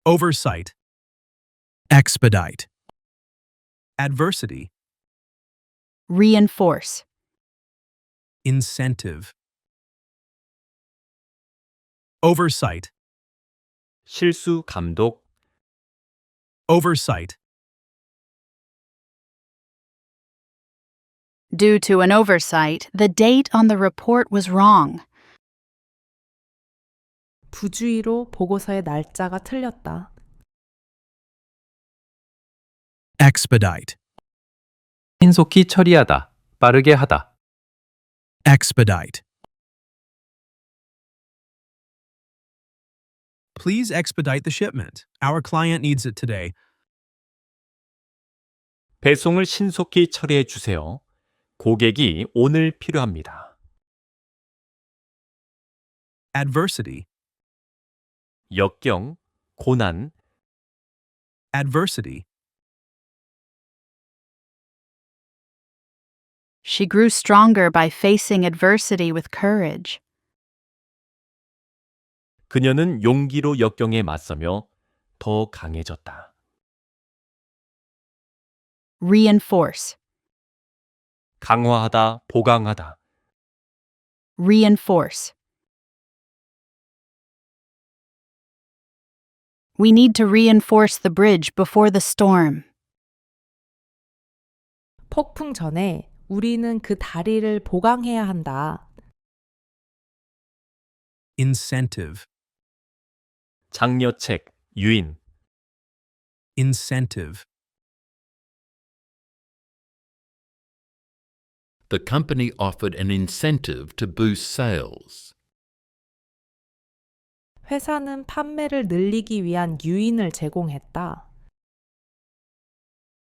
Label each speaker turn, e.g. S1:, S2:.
S1: oversight, expedite, adversity,
S2: reinforce,
S1: incentive, oversight,
S3: 실수 감독,
S1: oversight,
S2: Due to an oversight, the date on the report was wrong.
S4: 부주의로 보고서의 날짜가 틀렸다.
S1: expedite,
S3: 신속히 처리하다, 빠르게 하다.
S1: expedite. Please expedite the shipment. Our client needs it today.
S3: 배송을 신속히 처리해 주세요. 고객이 오늘 필요합니다.
S1: Adversity,
S3: 역경, 고난,
S1: adversity,
S2: She grew stronger by facing adversity with courage.
S3: 그녀는 용기로 역경에 맞서며 더 강해졌다.
S2: Reinforce,
S3: 강화하다, 보강하다.
S2: reinforce. We need to reinforce the bridge before the storm.
S4: 폭풍 전에 우리는 그 다리를 보강해야 한다.
S1: incentive,
S3: 장려책, 유인.
S1: incentive,
S5: The company offered an incentive to boost sales.
S4: 회사는 판매를 늘리기 위한 유인을 제공했다.